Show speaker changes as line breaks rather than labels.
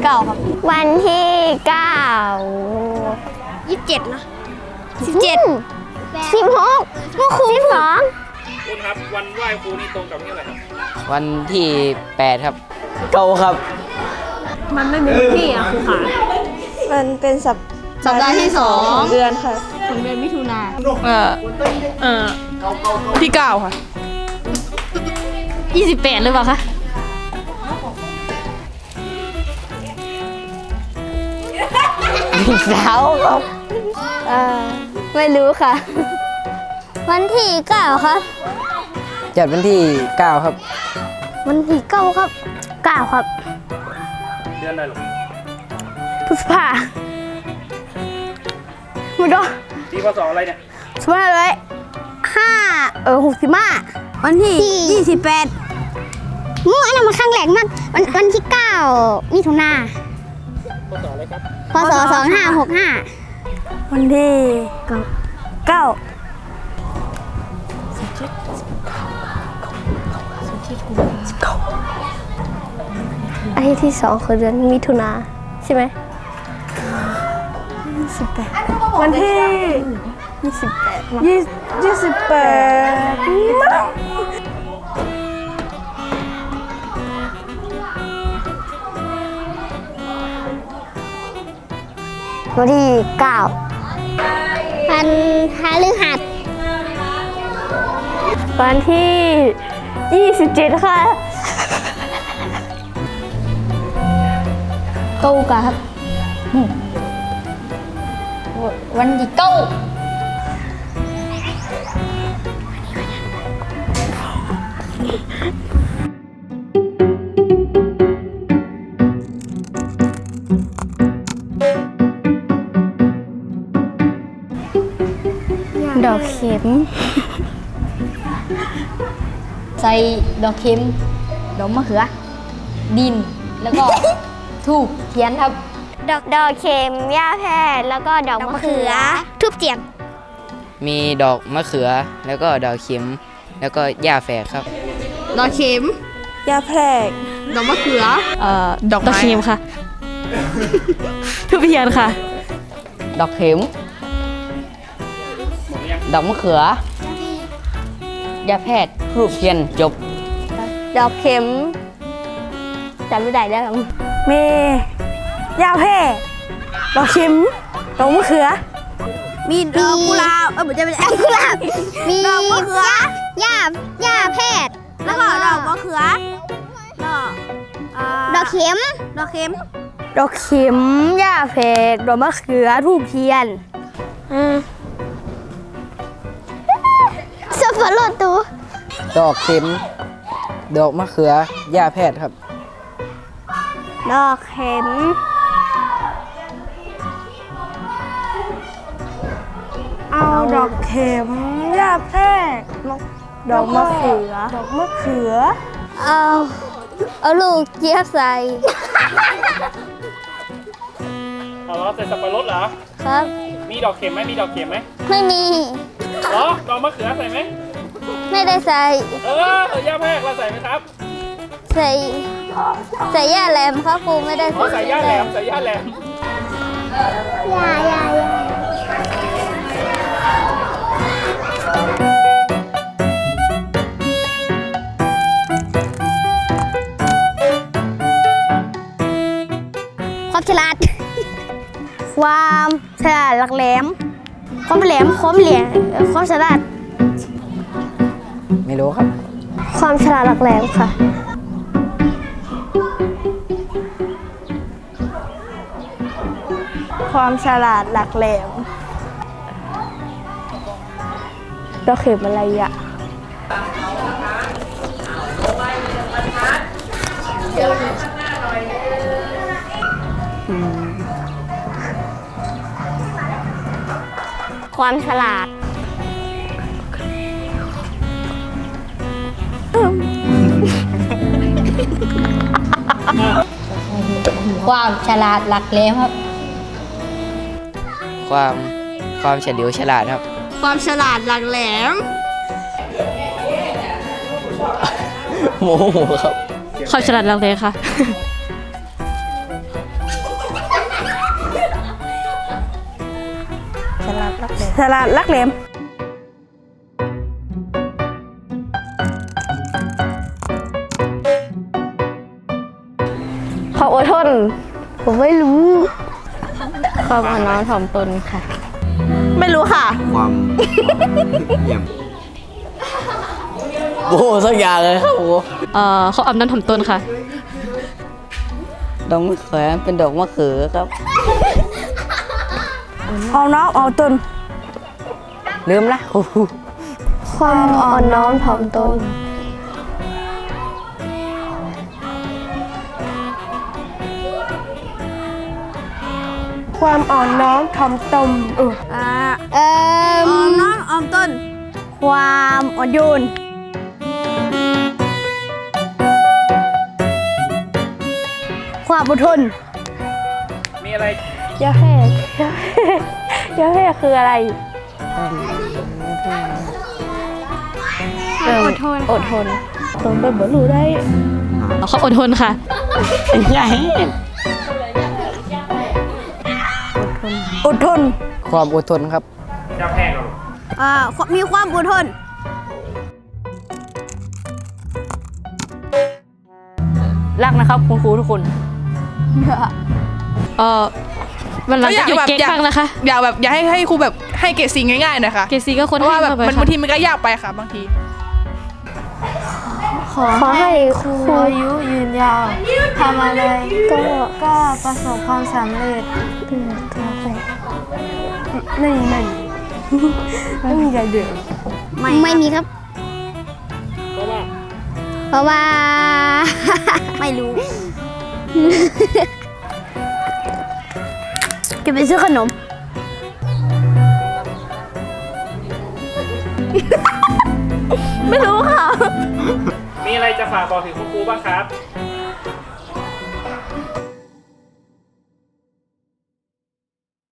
9ครับ
วันที่9
27นะ
16ก็ครู12
คุณครับวันไหว้ครูนี่ตรงกับที่อะไรครับ
วันที่8ครับเก้าครับ
มันไม่มีที่อ่ะครูขา
มันเป็นสัปดาห์ที่2เดือนค่ะ
ของเดือนมิถุนา
ที่9ค่ะ
28หรือเปล่าคะ
สาวครับ
ไม่รู้ค่ะ วันที่9ครับ
จัดวันที่9ครับ
วันที่9ครับ9ครับ
เดือนอะไรหรอ
พฤษภาไม่รู้
ปีพศอะไรเนี่ย
สมมติเลย65วันที่28อันนั้นมันครั้งแรกมากวันที่9มิถุนา
พศอะไรครับ
พศ2565วันที่9อาทิตย์ที่2คือเดือนมิถุนาใช่ไหม28วันที่วันที่9วันพฤหัสวันที่27ค่ะเก้าครับวันที่9ดอกเข็ม
ใส่ดอกเข็มดอกมะเขือดินแล้วก็ทูบเทียนครับ
ดอกเข็มหญ้าแพรกแล้วก็ดอกมะเขือทูบเจียน
มีดอกมะเขือแล้วก็ดอกเข็มแล้วก็หญ้าแฝกครับ
ดอกเข็ม
ยาแพรก
ดอกมะเขือ
ดอกไม้
เข็มค่ะทูบเทียนค่ะ
ดอกเข็มดอกมะเขือหญ้าแพทย์รูปเทียนจบ
ดอกเข็มจำไม่ได้แล้ว
มียาแพรกดอกชิมดอกมะเขือ
มีดอกกุหลาบไม่ใช่
ดอกกุหลาบมี
ดอกมะเขือ
หญ้าแพทย์
แล้วก็ดอกมะเขือดอก
ดอกเข็ม
ดอกเข็ม
ดอกเข็มหญ้าแพรกดอกมะเขือทูบเทียนสับปะรดตัว
ดอกเข็มดอกมะเขือหญ้าแพทย์ครับ
ดอกเข็ม
เอาดอกเข็มยาแพรกดอกมะเขือ
เอาลูกเจี๊ยบใส่
เอาล้อใส่สับปะรดเหรอ
ครับ
มีดอกเข็มไหมมีดอกเข็มไหม
ไม่มี
เหรอดอกมะเขือใส่ไหม
ไม่ได้ใส่
ย่าแพรกเราใส่ไหมครับ
ใส่หญ้าแหลมครับครูไม่ได้
อ๋อใส่ย่าแหลมใส่ย่าแหลม
อย่าความฉลาด ความฉลาดหลักแหลมความแหลมความฉลาด
ไม่รู้ครับ
ความฉลาดหลักแหลมค่ะ
ความฉลาดหลักแหลม
ดอกเข็มอะไรอ่ะความฉลาด
ความฉลาดหลักแหลมครับ
ความเฉลียวฉลาดครับ
ความฉลาดหลักแหลม
โมโหครับ
ความฉลาดหลักแหลมค่ะ
ฉลาดลักแหลม
ความอดทน ผมไม่รู้ ความอ่อนน้อมถ่อมตนค่ะ
ไม่รู้ค่ะ
ความเยี่ยม
โอ้สักอย่างเลยครับโอ้
เขาอำนั้นถ่อมตนค่ะ
ดอกมะเขือเป็นดอกมะเขือครับ
เอาน้องเอาตน
ลืมละโอ้โห
ความอ่อนน้อมถ่อมตน
ความอ่อนน้อมถ่อมตนอ่อนน้อมอ่อมตน
ความอ่อนโยน ความอดทน
มีอะไร
ยาแพรกยาแพรกคืออะไร
อดทน
อดทนตนเป็นบรรลุได้
เขาอดทนค่ะ
ใหญ่
อดทน
ความอดทนครับ
ย่าแพรกเหรอ
มีความอดทน
รักนะครับคุณครูทุกคน วันหลังจะหยุดเก๊กบ้างนะคะ
อย่าให้ครูแบบให้เกรดสีง่ายๆหนะคะ
เกรดซีก็คน
เพราะ
ให้
ว่าแบบ
เข้าไป
มัน
ค่ะ
บางทีมันก็ยากไปค่ะบางที
ขอให้ครู
อายุยืนยาวทำอะไรก็ประสบความสำเร็จนี่ไม่มีอะไรเดือด
ไม่มีครับ เพราะว่า ไม่รู้ จะไปซื้อขนม
ไม่รู้ค่ะ
มีอะไรจะฝากบอกถึงคุณครูบ้างครับ